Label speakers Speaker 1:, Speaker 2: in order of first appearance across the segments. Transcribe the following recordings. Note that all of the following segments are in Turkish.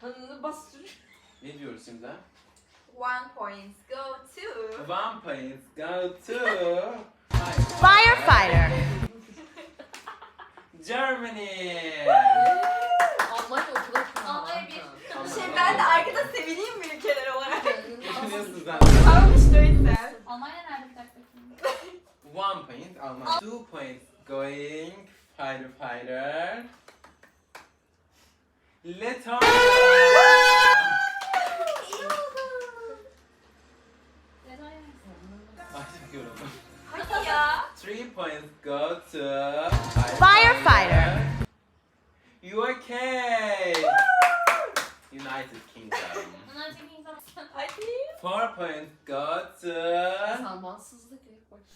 Speaker 1: Bastır.
Speaker 2: Ne diyoruz şimdi?
Speaker 3: 1 point go to.
Speaker 2: 1 point go to
Speaker 4: Firefighter.
Speaker 2: Germany.
Speaker 1: Almanya okula çıkıyor.
Speaker 3: Almanya ben de arkada sevineyim mi ülkeler olarak?
Speaker 2: Düşünüyorsun sen.
Speaker 3: Tamam işte o yüzden.
Speaker 5: Almanya nerede bir dakika?
Speaker 2: 1 point Almanya. 2 points going firefighter. Letonya. Ay çok yoruldum.
Speaker 3: Hadi ya.
Speaker 2: 3 points go to
Speaker 4: Firefighter.
Speaker 2: UK. United Kingdom.
Speaker 3: Hadi.
Speaker 2: 4 points go to
Speaker 1: Zamansızlık ilk baş.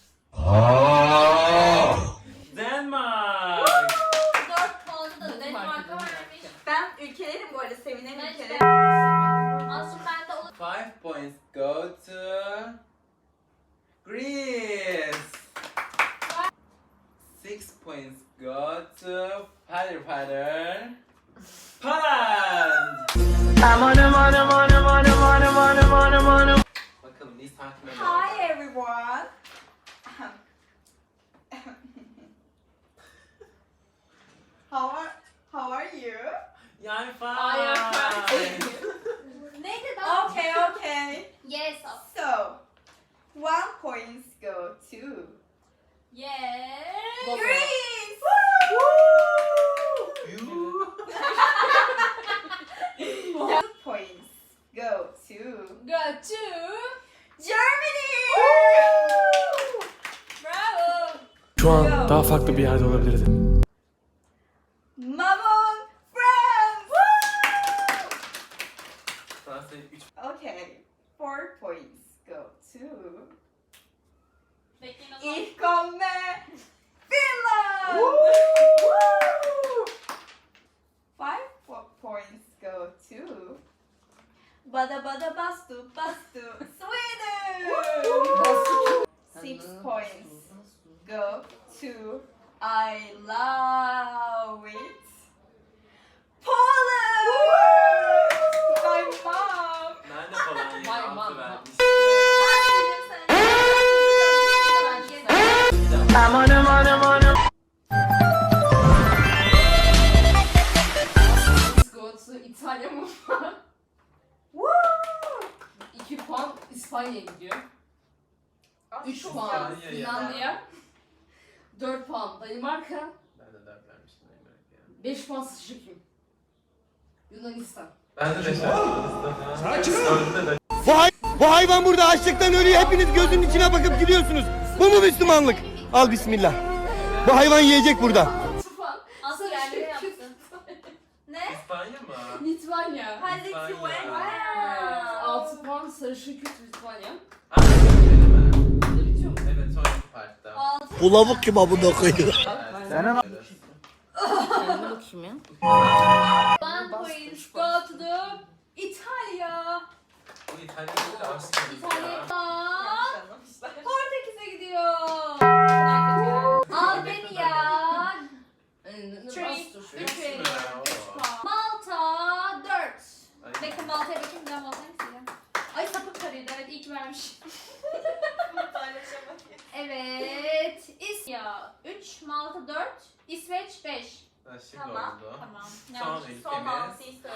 Speaker 2: Denmark.
Speaker 5: 4 puanı da Danimarka vermiş.
Speaker 3: Ben ülkelerim bu arada sevinen
Speaker 5: Ben
Speaker 3: ülkelerim.
Speaker 5: Aslında ben de olur.
Speaker 2: 5 points go to Greece. 6 points go to firefighter. Poland. Bakalım Nisan kime
Speaker 3: Hi everyone. How are you?
Speaker 2: Yeah, I'm
Speaker 1: I am
Speaker 2: fine.
Speaker 5: Neydi daha?
Speaker 3: Okay.
Speaker 5: Yes.
Speaker 3: So, 1 points go to
Speaker 5: Yes.
Speaker 1: Baba.
Speaker 3: Greece.
Speaker 2: You.
Speaker 3: 2 points go to
Speaker 5: Go to.
Speaker 3: Germany.
Speaker 5: Bravo.
Speaker 6: Şu an daha farklı bir yerde olabilirdim.
Speaker 3: Mamon France.
Speaker 2: Fransa'yı 3
Speaker 3: Okay, 4 points go to
Speaker 5: Bekleyin o zaman.
Speaker 3: Ich komme Finland. 5 points go to Bada Bada Bastu Sweden. 6 points go to I love it Poland. My mom.
Speaker 2: Nerede falan
Speaker 1: Vay,
Speaker 2: yeri
Speaker 1: vay,
Speaker 2: altı
Speaker 1: vay.
Speaker 2: vermiş.
Speaker 1: Go to İtalya mı? 2 puan İspanya'ya gidiyor. 3 puan
Speaker 2: İspanya ya.
Speaker 1: Finlandiya. 4 puan Danimarka.
Speaker 2: Ben de 4 vermiştim.
Speaker 1: 5 puan Sıçrakim. Yunanistan.
Speaker 2: Ben de 5 vermiştim.
Speaker 7: Bu hayvan burada açlıktan ölüyor. Hepiniz gözünün içine bakıp gidiyorsunuz. Bu mu Müslümanlık? Al bismillah. Bu hayvan yiyecek burada.
Speaker 1: 6 puan.
Speaker 5: Asıl yerleri yaptın.
Speaker 3: Ne?
Speaker 2: İspanya mı?
Speaker 1: Litvanya.
Speaker 3: Hadi
Speaker 2: İspanya.
Speaker 3: Lithuania.
Speaker 1: 6 puan Sarışın Kürt Litvanya.
Speaker 2: Ha, öyle mi?
Speaker 1: Burada bitiyor mu?
Speaker 2: Evet, sonraki partta.
Speaker 7: Bu lavuk kim abunda koyuyor?
Speaker 1: Kendime bakayım ya.
Speaker 5: 1 point go to the İtalya.
Speaker 2: Bu İtalya'da da aşk gibi
Speaker 5: İtalya.
Speaker 2: ya.
Speaker 5: Portekiz'e gidiyor. Albanya. 3.
Speaker 2: Üç mü?
Speaker 5: Malta 4.
Speaker 2: Ay.
Speaker 5: Bakın Malta'ya bakayım. Ben Malta'yı sileyim. Ay sapık karıydı. Evet iyi ki vermiş. Evet. İsya 3. Malta 4. İsveç 5.
Speaker 2: Ha, şimdi
Speaker 3: Tamam.
Speaker 2: oldu.
Speaker 5: Tamam.
Speaker 2: Son
Speaker 5: Yanlış.
Speaker 3: Son
Speaker 2: ülkemiz.
Speaker 3: altıyı söyle.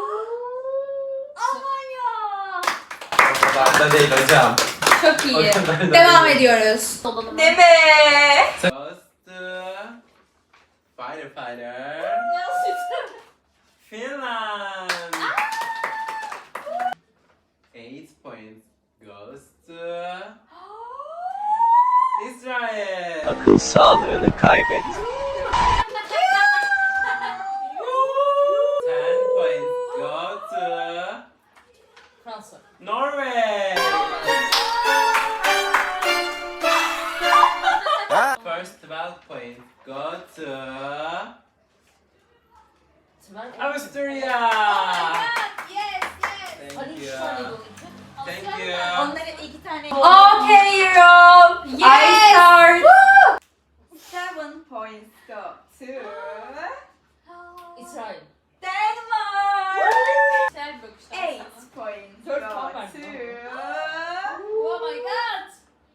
Speaker 5: Almanya.
Speaker 2: O kadar da değil hocam.
Speaker 5: Çok
Speaker 2: O
Speaker 5: iyi.
Speaker 2: kadar da
Speaker 5: Devam
Speaker 2: değil.
Speaker 5: ediyoruz.
Speaker 3: Deme.
Speaker 2: Goes to firefighter. Finland. 8 points goes to Israel.
Speaker 7: Akıl sağlığını kaybet.
Speaker 2: 10 points go to
Speaker 1: Fransa.
Speaker 2: Norway. First 12 points go to Austria.
Speaker 5: Yes, yes.
Speaker 2: Thank you. Thank you.
Speaker 3: Onların 2 tane.
Speaker 5: Okay, Europe.
Speaker 3: I
Speaker 5: Yes.
Speaker 3: start. 7 points go to
Speaker 1: İsrail.
Speaker 3: Denmark. points
Speaker 1: 4
Speaker 3: go
Speaker 1: puan verdim.
Speaker 3: to
Speaker 5: Oh my god.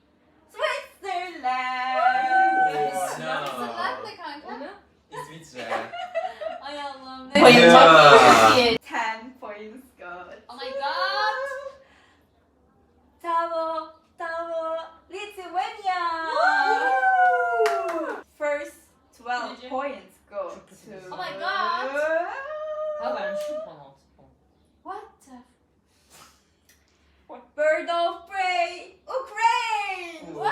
Speaker 3: Switzerland.
Speaker 5: Sırlar ne kanka?
Speaker 1: Ne?
Speaker 2: İsviçre.
Speaker 5: Ay Allah'ım.
Speaker 3: Yeah.
Speaker 5: Bayılacak.
Speaker 3: 10 points go
Speaker 5: Oh my god.
Speaker 3: Tavo, Lithuania. First 12
Speaker 5: Nece?
Speaker 3: points go
Speaker 1: Çok kötü.
Speaker 3: to
Speaker 5: Oh my god.
Speaker 1: Ha vermişim puan 6 puan.
Speaker 5: What the?
Speaker 3: Bird of Prey, Ukraine.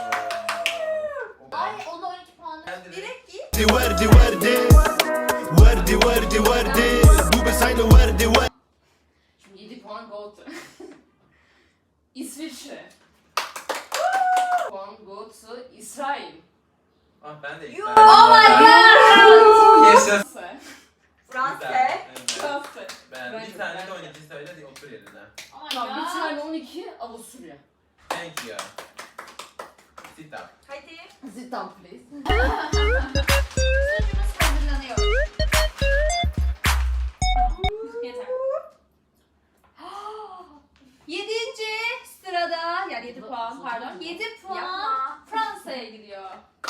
Speaker 5: Ay onda 12 puan.
Speaker 3: Direkt git.
Speaker 7: وردي وردي وردي وردي وردي مو بس عينه وردي وردي
Speaker 1: Şimdi 7 puan go to İsviçre. Puan go to İsrail.
Speaker 2: Ah ben de
Speaker 3: You-
Speaker 5: Oh my god.
Speaker 2: Yaşasın.
Speaker 3: Fransa.
Speaker 1: Fransa.
Speaker 2: Ben
Speaker 1: Bence
Speaker 2: bir tane de
Speaker 1: bence.
Speaker 2: 12 söyle de otur yerine.
Speaker 5: Oh my
Speaker 1: Tamam bir
Speaker 5: god.
Speaker 1: tane 12 Avusturya.
Speaker 2: Thank you. Sit up.
Speaker 3: Hadi.
Speaker 1: Sit down please.
Speaker 5: Sunucumuz hazırlanıyor. Yeter. 7. sırada yani 7 puan pardon. 7 puan
Speaker 3: Yapma.
Speaker 5: Fransa'ya gidiyor.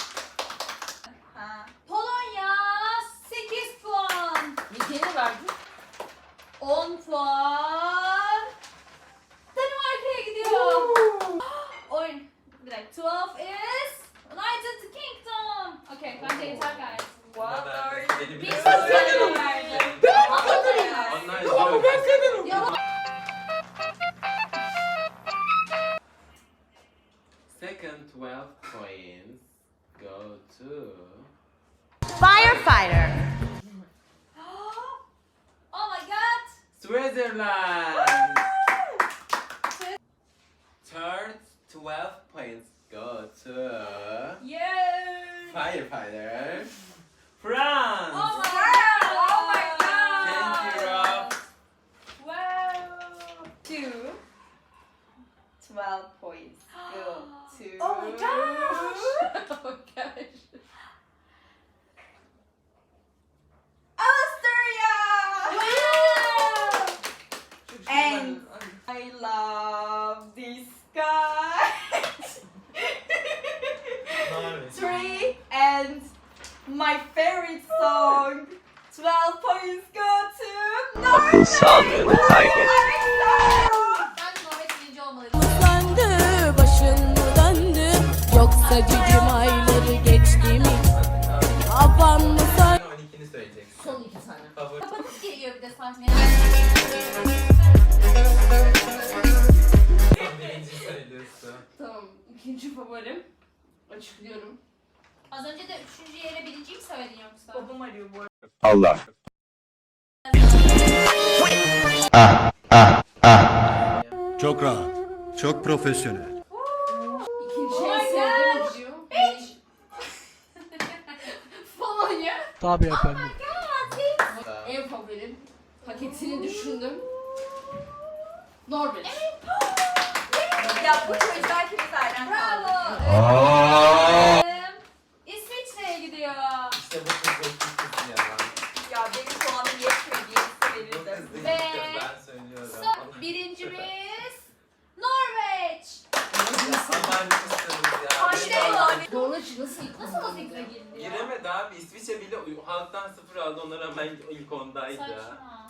Speaker 3: Ha.
Speaker 5: Polonya 8 puan.
Speaker 1: Nick'e verdin?
Speaker 5: 10 puan. Danimarka'ya gidiyor. Oyun. Bir dakika. 12 is United Kingdom. Okay, bence yeter gayet.
Speaker 3: What are
Speaker 2: Beni
Speaker 5: Bir
Speaker 2: bile
Speaker 5: saniye verdim.
Speaker 2: Onlar izliyor.
Speaker 5: Yalan.
Speaker 2: Second 12 points go to
Speaker 4: Firefighter.
Speaker 5: Oh my god.
Speaker 2: Switzerland. Third 12 points go to
Speaker 3: Yay!
Speaker 2: firefighter. France.
Speaker 5: Oh my
Speaker 3: Wow! Oh my
Speaker 2: Thank you, Rob.
Speaker 3: Wow! 2 12 points go to
Speaker 5: Oh my gosh!
Speaker 1: Oh gosh.
Speaker 3: Austria!
Speaker 1: Çok
Speaker 3: And-
Speaker 1: ben-
Speaker 3: I love this guy. 3 and my favorite song 12 points go to Norway!
Speaker 5: Ben Norveç birinci olmalıydı.
Speaker 8: Sandı, başın mı döndü? Yoksa cicim ayları geçti mi? Kafan mı
Speaker 2: Sen 12'ni söyleyeceksin.
Speaker 1: Son 2 tane.
Speaker 2: Favori.
Speaker 5: Kapatıp geliyor bir de sahneye.
Speaker 2: Son birinci söylüyorsun.
Speaker 1: Tamam. İkinci favorim. Açıklıyorum.
Speaker 5: Az önce de 3. yere birinciyi mi söyledin yoksa?
Speaker 3: Babam arıyor bu arada.
Speaker 9: Allah. Çok rahat. Çok profesyonel.
Speaker 1: İkinci
Speaker 5: Oh
Speaker 1: en
Speaker 5: my
Speaker 1: sevdiğim
Speaker 5: gosh.
Speaker 1: video. Polonya.
Speaker 6: Tabii efendim.
Speaker 1: En favorim. Paketini düşündüm. Norveç.
Speaker 3: Ya bu çocuklar ikimiz aynen
Speaker 5: Bravo.
Speaker 3: kaldı.
Speaker 5: İsviçre'ye gidiyor.
Speaker 2: İşte bu kız ya.
Speaker 3: Ya benim puanım yetmediğini
Speaker 2: Bu
Speaker 3: verirdim.
Speaker 2: kız değil
Speaker 5: Ve
Speaker 2: ben söylüyorum.
Speaker 5: Son birincimiz Norveç.
Speaker 2: Aman kızsınız ya.
Speaker 3: Aynen.
Speaker 1: Norveç nasıl ilk
Speaker 5: Nasıl o zikre girdi ya?
Speaker 2: Giremedi abi. İsviçre bile halktan 0 aldı. Ona rağmen ilk ondaydı.
Speaker 5: Saçma.